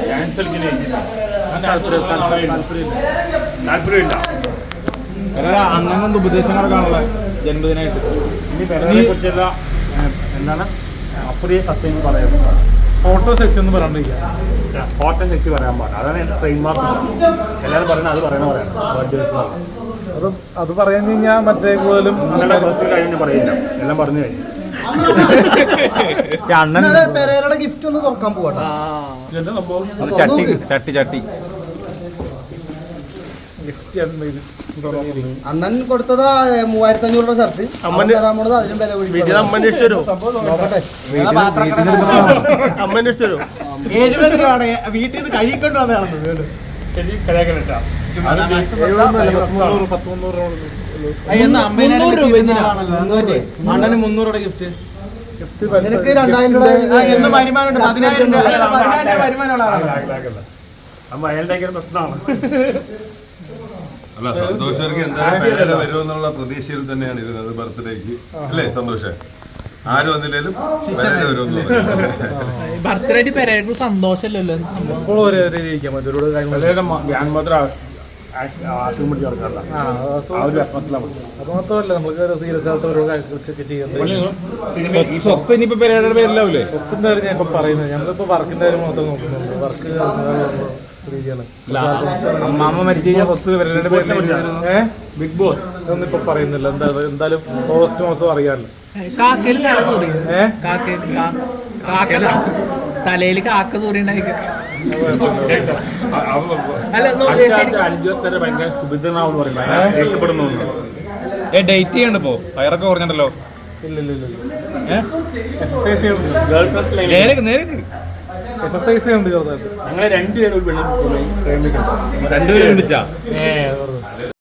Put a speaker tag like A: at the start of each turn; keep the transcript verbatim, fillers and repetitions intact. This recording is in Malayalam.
A: താല്പര്യമില്ല.
B: അന്നൊന്നും ഉപദേശങ്ങളൊക്കെയാണുള്ള ജന്മദിനമായിട്ട്.
A: ഇനി പെരയെ കുറിച്ചുള്ള എന്താണ് അപ്പടിയെ സത്യം പറയാം.
B: ഫോട്ടോ സെക്ഷൻ ഒന്നും പറയാണ്ടിരിക്കുക.
A: ഫോട്ടോ സെക്ഷൻ പറയാൻ പാടില്ല. അതാണ് എൻ്റെ ട്രെയിൻ മാർക്ക്. എല്ലാവരും പറയുന്നത് അത് പറയണ പറയണം.
B: അത് അത് പറഞ്ഞു കഴിഞ്ഞാൽ മറ്റേ കൂടുതലും
A: നിങ്ങളുടെ ബർത്ത്ഡേ കഴിഞ്ഞ് പറയില്ല. എല്ലാം പറഞ്ഞു കഴിഞ്ഞു.
B: അണ്ണൻ
C: പെരേരയുടെ ഗിഫ്റ്റ് ഒന്ന് തുറക്കാൻ പോകട്ടെ.
B: ചട്ടി ചട്ടി ചട്ടി
C: അണ്ണൻ കൊടുത്തത് മൂവായിരത്തി അഞ്ഞൂറ് രൂപ ഷർട്ട്. തരാൻ പോണത് അതിനും വില നോക്കട്ടെ.
B: എഴുപത് രൂപയാണ് വീട്ടിൽ നിന്ന് കഴിക്കൊണ്ട് വന്നതാണെന്ന്. അണ്ണന് മുന്നൂറ് രൂപ ഗിഫ്റ്റ്.
C: നിനക്ക് രണ്ടായിരം രൂപ
B: എന്ന് വരുമാനമുണ്ട്. പതിനായിരം രൂപ പതിനായിരം രൂപ വരുമാനമുള്ള
A: അയാളുടെ പ്രശ്നമാണ്.
D: അല്ല, സന്തോഷർക്ക് എന്തായാലും വരുമെന്നുള്ള പ്രതീക്ഷയിൽ തന്നെയാണ് ഇരുന്നത് ബർത്ത്ഡേക്ക്. അല്ലേ സന്തോഷം? ആരും വന്നില്ലേലും
E: ബർത്ത്ഡേ പെരേക്ക് സന്തോഷമല്ലല്ലോ.
A: അത്
B: മാത്രമല്ല നമുക്ക് സീരിയസ് ആയിട്ട് ഓരോ കാര്യങ്ങളൊക്കെ ചെയ്യുന്നത്. സ്വത്ത് ഇനിയിപ്പോ പെരയുടെ പേരിലാവൂലേ? സ്വത്തിന്റെ കാര്യം ഞാൻ ഇപ്പൊ പറയുന്നത്. ഞങ്ങളിപ്പോ വർക്കിന്റെ കാര്യം മാത്രം നോക്കുന്നുണ്ട്. വർക്ക് അമ്മ മരിച്ചു കഴിഞ്ഞാൽ സ്വത്ത് പെരയുടെ പേരിൽ ബിഗ് ബോസ് ഇതൊന്നും ഇപ്പൊ പറയുന്നില്ല. എന്താ എന്തായാലും ഓഗസ്റ്റ് മാസം അറിയാമല്ലോ.
E: കാക്കയില് തല തൂറി കാക്ക തലയിൽ കാക്ക തൂറിണ്ടായിരിക്കും.
A: ഭയങ്കര സുഭിദ്രനാവെന്ന് പറയുന്നത് രക്ഷപ്പെടുന്നു.
B: ഏ ഡേറ്റ് ചെയ്യണ്ട ഇപ്പോ വയറൊക്കെ കുറഞ്ഞിട്ടല്ലോ. ഇല്ല ഇല്ല ഇല്ല എക്സസൈസ് ചെയ്യുന്നുണ്ട്. എക്സസൈസ് ചെയ്യുന്നുണ്ട് ചെറുതായിട്ട്.
A: ഞങ്ങളെ രണ്ടുപേരും ഒരു വെള്ളം
B: രണ്ടുപേരും വിളിച്ചാ